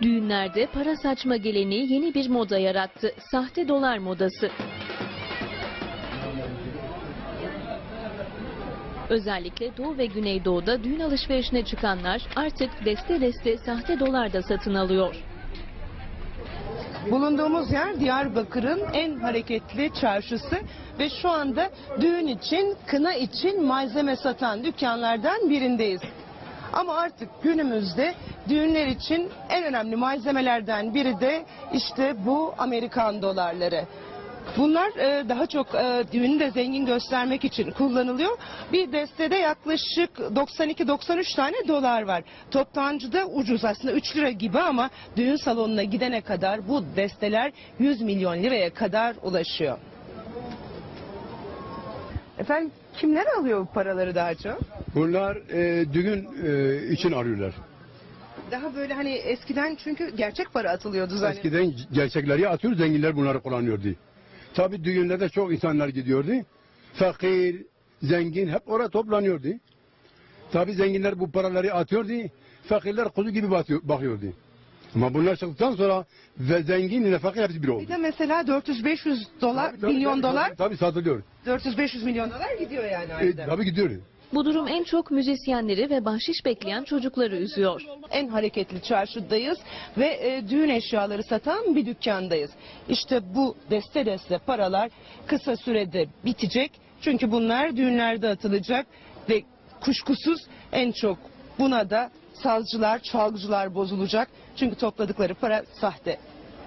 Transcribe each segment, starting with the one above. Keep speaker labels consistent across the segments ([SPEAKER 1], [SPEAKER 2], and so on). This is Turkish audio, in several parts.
[SPEAKER 1] Düğünlerde para saçma geleneği yeni bir moda yarattı. Sahte dolar modası. Özellikle Doğu ve Güneydoğu'da düğün alışverişine çıkanlar artık deste deste sahte dolar da satın alıyor.
[SPEAKER 2] Bulunduğumuz yer Diyarbakır'ın en hareketli çarşısı ve şu anda düğün için, kına için malzeme satan dükkanlardan birindeyiz. Ama artık günümüzde düğünler için en önemli malzemelerden biri de işte bu Amerikan dolarları. Bunlar daha çok düğünü de zengin göstermek için kullanılıyor. Bir destede yaklaşık 92-93 tane dolar var. Toptancıda ucuz, aslında 3 lira gibi, ama düğün salonuna gidene kadar bu desteler 100 milyon liraya kadar ulaşıyor. Efendim, kimler alıyor bu paraları daha çok?
[SPEAKER 3] Bunlar düğün için arıyorlar.
[SPEAKER 2] Daha böyle hani eskiden çünkü gerçek para atılıyordu zannediyorum.
[SPEAKER 3] Eskiden gerçekleri atıyor, zenginler bunları kullanıyordu. Tabii düğünlerde çok insanlar gidiyordu. Fakir, zengin hep oraya toplanıyordu. Tabii zenginler bu paraları atıyordu. Fakirler kuzu gibi bakıyordu. Ama bunlar çıktıktan sonra ve zengin ile fakir hepsi bir oldu.
[SPEAKER 2] Bir de mesela 400-500 dolar, milyon dolar,
[SPEAKER 3] tabii satılıyor.
[SPEAKER 2] 400-500 milyon dolar gidiyor yani ayda.
[SPEAKER 3] Tabii gidiyor.
[SPEAKER 1] Bu durum en çok müzisyenleri ve bahşiş bekleyen çocukları üzüyor.
[SPEAKER 2] En hareketli çarşıdayız ve düğün eşyaları satan bir dükkandayız. İşte bu deste deste paralar kısa sürede bitecek. Çünkü bunlar düğünlerde atılacak ve kuşkusuz en çok buna da sazcılar, çalgıcılar bozulacak. Çünkü topladıkları para sahte.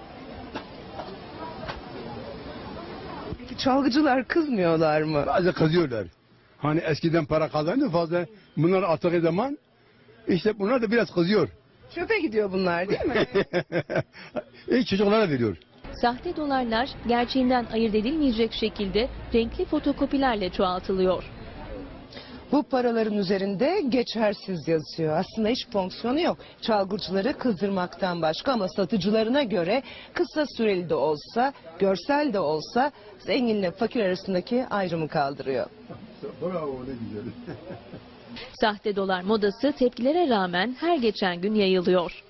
[SPEAKER 2] Peki çalgıcılar kızmıyorlar mı?
[SPEAKER 3] Bazı kızıyorlar. Hani eskiden para kazandı fazla. Bunlar attığı zaman işte bunlar da biraz kızıyor.
[SPEAKER 2] Çöpe gidiyor bunlar değil mi?
[SPEAKER 3] Çocuklara veriyor.
[SPEAKER 1] Sahte dolarlar gerçeğinden ayırt edilmeyecek şekilde renkli fotokopilerle çoğaltılıyor.
[SPEAKER 2] Bu paraların üzerinde geçersiz yazıyor. Aslında hiç fonksiyonu yok. Çalgıcıları kızdırmaktan başka, ama satıcılarına göre kısa süreli de olsa, görsel de olsa zenginle fakir arasındaki ayrımı kaldırıyor.
[SPEAKER 3] Bravo, ne güzel.
[SPEAKER 1] Sahte dolar modası tepkilere rağmen her geçen gün yayılıyor.